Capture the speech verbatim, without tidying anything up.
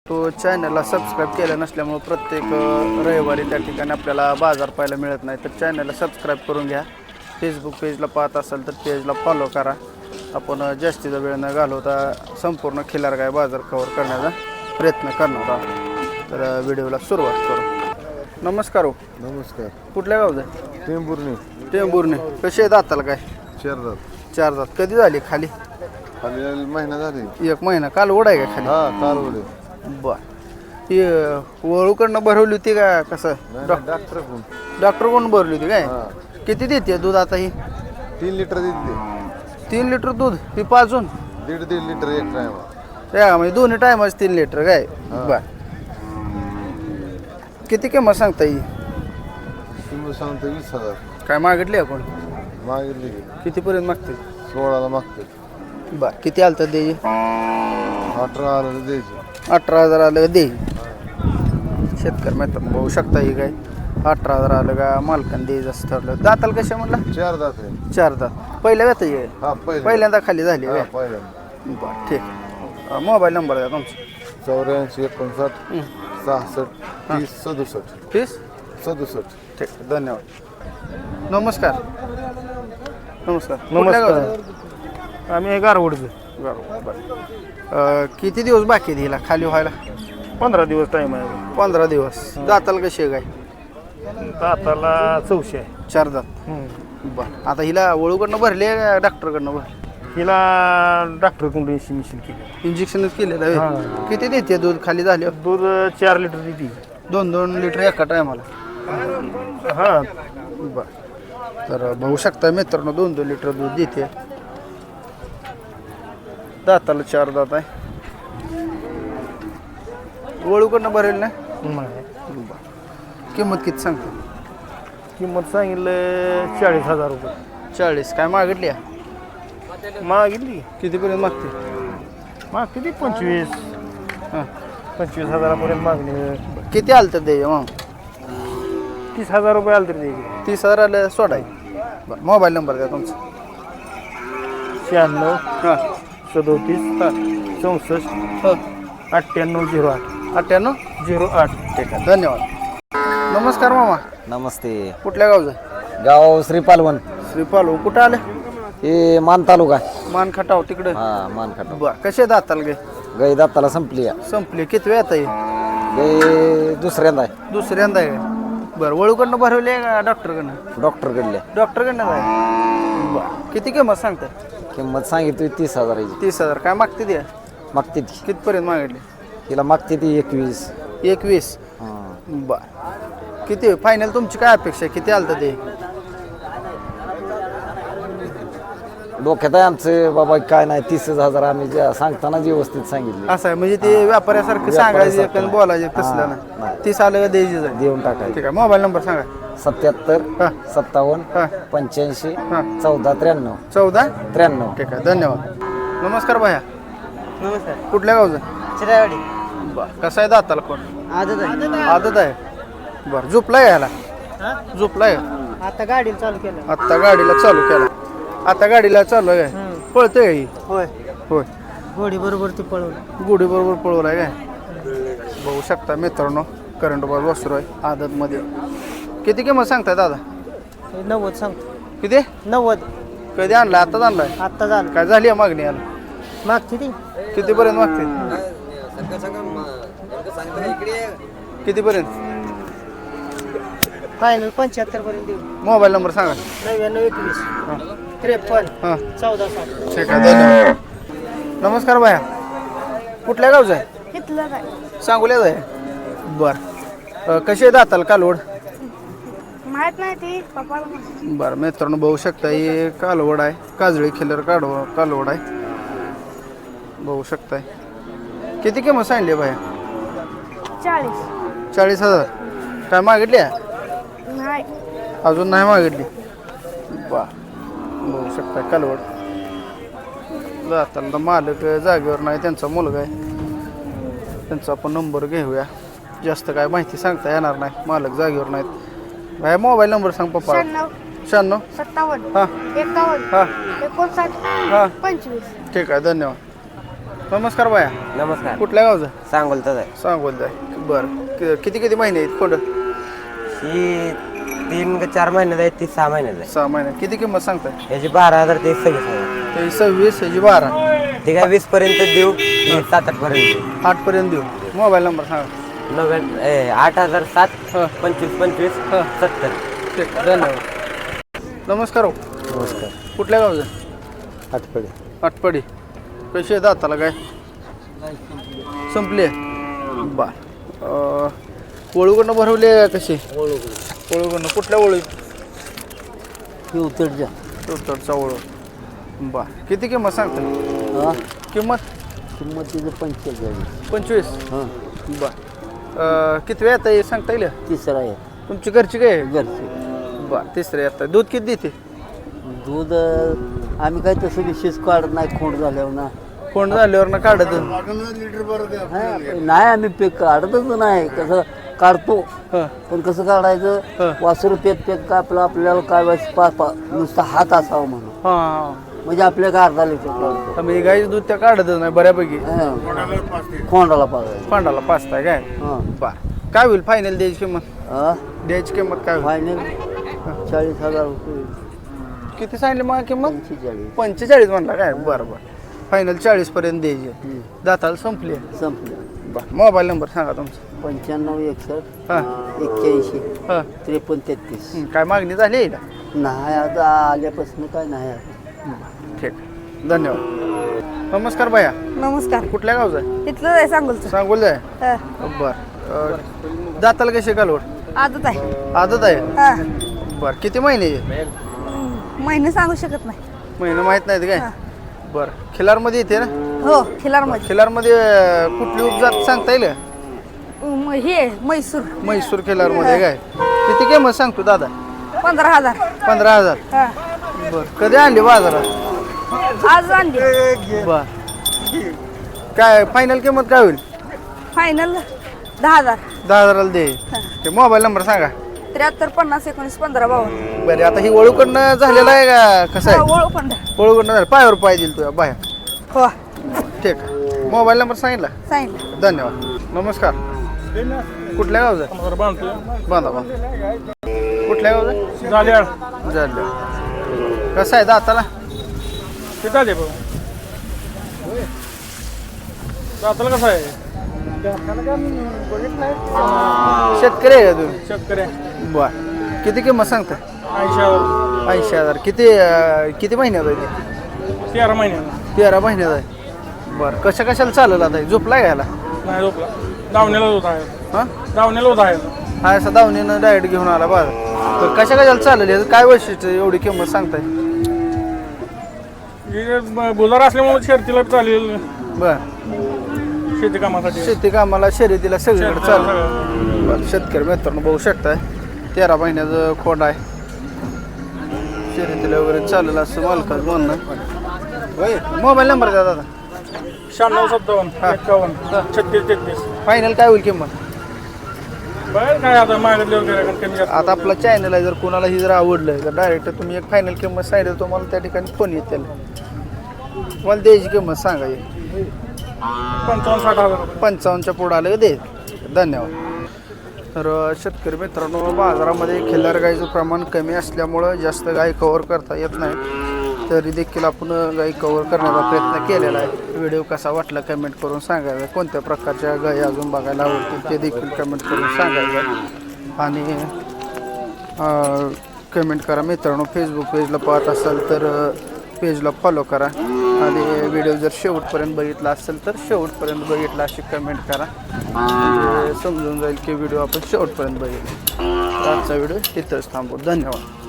तो चॅनलला सबस्क्राईब केलं नसल्यामुळे प्रत्येक रविवारी त्या ठिकाणी आपल्याला बाजार पाहायला मिळत नाही, तर चॅनलला सबस्क्राईब करून घ्या. फेसबुक पेजला पाहत असाल तर पेजला फॉलो करा. आपण जास्तीचा वेळ न घालवता संपूर्ण खिल्लार बाजार कव्हर करण्याचा प्रयत्न करणार आहोत. तर व्हिडिओला सुरुवात करू. नमस्कार. हो नमस्कार. कुठल्या गावचं आहे? टेंभुर्णी. टेंभुर्णी. कसे आहेत आताला काय? चार दात. चार दात. कधी झाली खाली? खाली महिना झाली. एक महिना. काल ओढ आहे का खाली? हा काल ओढे. बर. ती वळूकडनं भरवली होती का कसं? डॉक्टर कोण? डॉक्टर कोण भरली होती काय? किती देते दूध आता ही? तीन लिटर देते. तीन लिटर दूध ही पाजून? दीड दीड लिटर एक टाइम. त्या म्हणजे दोन्ही टायमाच तीन लिटर काय? बर. किती किंमत सांगता येईल? किंमत सांगतो वीस हजार. काय मागितली आपण? मागितली कितीपर्यंत मागते? सोळाला मागते. बर. किती आलं तर द्यायची? अठरा हजार द्यायची. अठरा हजार आलं दे. शेतकरी मित्र बघू शकता ही काय अठरा हजार आलं का मालकान द्यायचं असं ठरलं. दाताला कशा म्हटलं? चार दात आहे. चार दात. पहिल्या व्यथा येईल? हा पहिल्या. पहिल्यांदा खाली झाली काय? पहिल्यांदा. बरं ठीक. मोबाईल नंबर द्या तुमचा. चौऱ्याऐंशी एकोणसाठ सहासष्ट तीस सदुसष्ट. तीस सदुसष्ट. ठीक आहे. धन्यवाद. नमस्कार. नमस्कार. नमस्कार. आम्ही गारवडचं. बरं. किती दिवस बाकी आहे हिला खाली व्हायला? पंधरा दिवस टाईम आहे. पंधरा दिवस. दाताला कशी आहे काय? दाताला चौशे आहे. चार दात. बरं. आता हिला वळूकडनं भरली आहे का डॉक्टरकडनं भरली? हिला डॉक्टरकडून इंजेक्शन केलं. इंजेक्शनच केलेलं आहे. किती देते दूध खाली झाले? दूध चार लिटर देते. दोन दोन लिटर एका टायमाला? हां. बरं. तर बघू शकता मित्रांनो दोन दोन लिटर दूध देते. दाताला चार दात आहे. वळूकडनं भरेल ना? किंमत किती सांगतो? किंमत सांगितलं चाळीस हजार रुपये. चाळीस. काय मागितली? मागितली कितीपर्यंत मागते? माग किती? पंचवीस. हां. पंचवीस हजारापर्यंत मागणी. किती आलं तर दे मग? तीस हजार रुपये आले तरी द्यायचे. तीस हजार आलं सोडाय. बरं. मोबाईल नंबर द्या तुमचा. शहाण्णव हां सदोतीस हां चौसष्ट हो अठ्ठ्याण्णव झिरो आठ अठ्ठ्याण्णव झिरो आठ. ठीक आहे. धन्यवाद. नमस्कार मामा. नमस्ते. कुठल्या गावचं? गाव श्रीपालवन. श्रीपाल. कुठं आलं? हे मान तालुका. मान खटाव तिकडे. हा मान खटाव. बरं. कसे दाताल गे? गाई दाताला संपली आहे. संपली. किती वेळ आता? गाई दुसऱ्यांदा आहे. दुसऱ्यांदा आहे. बरं. वळूकडनं भरवले का डॉक्टरकडनं? डॉक्टरकडले. डॉक्टरकडनं आहे. बरं. किती किंमत सांगता? किंमत सांगितली तीस हजाराची. तीस हजार. काय मागते ती? मागते ती. कितपर्यंत मागितली? तिला मागते ती एकवीस. एकवीस. हां. बरं. किती फायनल तुमची काय अपेक्षा? किती आलं तर ते? डोक्यात आहे आमचं बाबा काय नाही तीस हजार आम्ही ज्या सांगताना व्यवस्थित सांगितले. असं आहे म्हणजे ते व्यापाऱ्यासारखं सांगायचं आणि बोलायचं तसलं ना. नाही. तीस आलं का द्यायची जाईल. देऊन टाकायचे. ठीक आहे. मोबाईल नंबर सांगा. सत्याहत्तर हां सत्तावन्न हां पंच्याऐंशी हां चौदा त्र्याण्णव चौदा. त्र्याण्णव. ठीक आहे. धन्यवाद. नमस्कार भाया. नमस्कार. कुठल्या गावचं? चिरावाडी. बरं. कसं आहे दाताला कोण? आदत आहे. आदत आहे. बरं. झोपलाय ह्याला? झोपलाय. आता गाडीला चालू केलं. आत्ता गाडीला चालू केला. आता गाडीला चालू आहे काय? पळतंय ही? होय. होय. घोडी बरोबर ती पळवलं. गुढी बरोबर पळवलाय काय? बघू शकता मित्रांनो करंट बॉल वासरू आहे आदतमध्ये. किती किंमत सांगताय दादा? हे नव्वद सांगतो. किती? नव्वद. कधी आणलाय? आत्ताच आणलाय. आत्ता झालं. काय झाली आहे मागणी याला? मागची ती कितीपर्यंत मागते? कितीपर्यंत? फायनल पंच्याहत्तर पर्यंत देऊ. मोबाईल नंबर सांगा. नव्याण्णव एकवीस त्रेपन्न हां चौदा सात. ठीक आहे. धन्यवाद. नमस्कार भाया. कुठल्या गावचं आहे? घेतलं काय? सांगोल्याच आहे. बरं. कशी आहे दाताला कालवड? माहित नाही ती पप्पाला. बरं मित्रांनो बघू शकता ही कालवड आहे. काजळी खिल्लर काढव कालवड आहे. बघू शकताय. किती किंमत सांगली भाया? चाळीस. चाळीस हजार. काय मागितली आहे? नाही. अजून नाही मागितली. बा बघू शकता कालवड. जाताना मालक जागेवर नाही, त्यांचा मुलगा आहे. त्यांचा आपण नंबर घेऊया. जास्त काय माहिती सांगता येणार नाही, मालक जागेवर नाहीत. भाई मोबाईल नंबर सांग पप्पा. शहाण्णव शहाण्णव सत्तावन्न हां एकावन्न हां एकोणसाठ हां पंचवीस. ठीक आहे. धन्यवाद. नमस्कार बाया. नमस्कार. कुठल्या गावचं? सांगोलचाच आहे. सांगोल आहे. बरं कि- किती किती महिने आहेत खोंड? ही तीन का चार महिन्यात आहे, ती सहा महिन्यात आहे. सहा महिने. किती किंमत सांगताय? याची बारा हजार ते सव्वीस हजार. ते सव्वीस ह्याची बारा. ते काय वीस पर्यंत देऊ, हे सात आठ पर्यंत. आठ पर्यंत देऊ. मोबाईल नंबर सांगा. नव्याण्णव ए, आठ हजार सात हां. पंचवीस पंचवीस हां. सत्तर. ठीक धन्यवाद. नमस्कार हो. नमस्कार. कुठल्या गावचं? आठपडे. आटपाडी. कशी आहे दाताला काय? संपली बा वळूकडनं भरवली आहे कशी? वळूकडनं. कुठल्या वळू? उतरच्या. चौथडचा वळू. बा किती किंमत सांगता? हां किंमत किंमत तिचं पंचेचाळीस. पंचवीस. हां बा किती वेळ येतं हे सांगता येईल? तिसरा आहे तुमची घरची काय आहे? घरचे. बा तिसरे येतं. दूध किती देते? दूध अं, आम्ही काही तसं विशेष काढत नाही खोंड झाल्यावर ना. कोण झाल्यावर ना काढत. हां, नाही आम्ही पे काढतच नाही. कसं काढतो हं. पण कसं काढायचं हं. वासरू पेक पेक का आपलं आपल्याला काय वेळेस पा पा नुसता हात असावा म्हणून हां म्हणजे आपल्या का अर्धा लिटर काढतो. आम्ही गाईचं दूध त्या काढतच नाही बऱ्यापैकी. हां. खोंडाला पाजायचं. पांडाला पाचताय काय? हां बा काय होईल फायनल द्यायची किंमत? हां द्यायची किंमत काय होईल? फायनल चाळीस हजार रुपये. किती सांगली मग किंमत? पंचेचाळीस. पंचेचाळीस म्हणला काय? बरं बरं. फायनल चाळीस पर्यंत द्यायची. हं. दाताला संपली आहे. संपलं. बरं मोबाईल नंबर सांगा तुमचा. पंच्याण्णव एकसष्ट हां एक्क्याऐंशी हां त्रेपन्न तेहतीस. हं, काय मागणी झाली आहे का? नाही आता आल्यापासून काय नाही आता. ठीक धन्यवाद. नमस्कार बाया. नमस्कार. कुठल्या गावचा आहे? इथलं आहे सांगोलचं. सांगोल जाय. हा. बरं अं, दाताला कशी कालवड? आदत आहे. आदत आहे. हा. बरं किती महिने? महिने सांगू शकत नाही. महिने माहीत नाहीत काय? हां. बरं खिलारमध्ये येते ना? हो खिलारमध्ये. खिलारमध्ये अं, कुठली उपजात सांगता येईल? म- हे म्हैसूर. म्हैसूर खिलारमध्ये काय? किती किंमत सांगतो दादा? पंधरा हजार. पंधरा हजार. हा. बर कधी आणली बाजारात? आज आणली. बर काय फायनल किंमत काय होईल? फायनल दहा हजार. दहा हजाराला दे. ते मोबाईल नंबर सांगा. त्र्याहत्तर पन्नास एकोणीस पंधरा बावन्न. बरं आता ही वळूकडनं झालेलं आहे का कसं आहे? ओळख पण. वळूकडनं झालं पायावर पाय दिल तुझ्या बाहेर. हो ठीक आहे. मोबाईल नंबर सांगितला. सांगितलं. धन्यवाद. नमस्कार. कुठल्या गावचं? बांधा बांधा. कुठल्या गावचं? झाल्या झालं. कसं आहे दाताला? किती आले बघ दाताला कसं आहे? शेतकरी आहे का तुम्ही? शेतकरी बर किती किंमत सांगता? ऐंशी हजार. ऐंशी हजार. किती अं, किती महिन्यात आहे ते? तेरा महिन्याला. तेरा महिन्यात आहे. बरं कशा कशाला चालेल आता? झोपला घ्यायला? नाही झोपला. दावण्याला होत आहे. हां दावण्याला होत आहे. हा असं दावणीनं डायरेक्ट घेऊन आला बरं. तर कशा कशाला चालेल? याचं काय वैशिष्ट्य एवढी किंमत सांगताय? बुजार असल्यामुळे शर्तीला चालेल. बरं शेती कामासाठी. शेती कामाला शर्यतीला सगळीकडे चालेल. बरं शेतकरी मित्रांनो बघू शकताय तेरा महिन्याचं खोंड आहे. शर्यतीला वगैरे चालेल असं मालकाचं म्हणणं. मोबाईल नंबर द्या दादा. शहाण्णव सत्तावन्न एक्कावन्न छत्तीस तेहतीस. फायनल काय होईल किंमत? बरं काय आता मागितल्यावर काय कमी जास्त. आता आपला चॅनल आहे जर कोणालाही जर आवडलं तर डायरेक्ट तुम्ही एक फायनल किंमत सांगितलं तुम्हाला त्या ठिकाणी फोन येत त्याला मला द्यायची किंमत सांगा. पंचावन्न साठ हजार रुपये. पंचावन्नच्या पुढं आलं दे. धन्यवाद. तर शेतकरी मित्रांनो बाजारामध्ये खिल्लार गाईचं प्रमाण कमी असल्यामुळं जास्त गाई कव्हर करता येत नाही. तरी देखील आपण गाई कव्हर करण्याचा प्रयत्न केलेला आहे. व्हिडिओ कसा वाटला कमेंट करून सांगायचा. कोणत्या प्रकारच्या गाई अजून बघायला आवडतील ते देखील कमेंट करून सांगायचं. आणि कमेंट करा मित्रांनो. फेसबुक पेजला पाहत असाल तर पेजला फॉलो करा. आणि व्हिडिओ जर शेवटपर्यंत बघितला असेल तर शेवटपर्यंत बघितला अशी कमेंट करा. म्हणजे समजून जाईल की व्हिडिओ आपण शेवटपर्यंत बघितला. आजचा व्हिडिओ इथंच थांबू. धन्यवाद.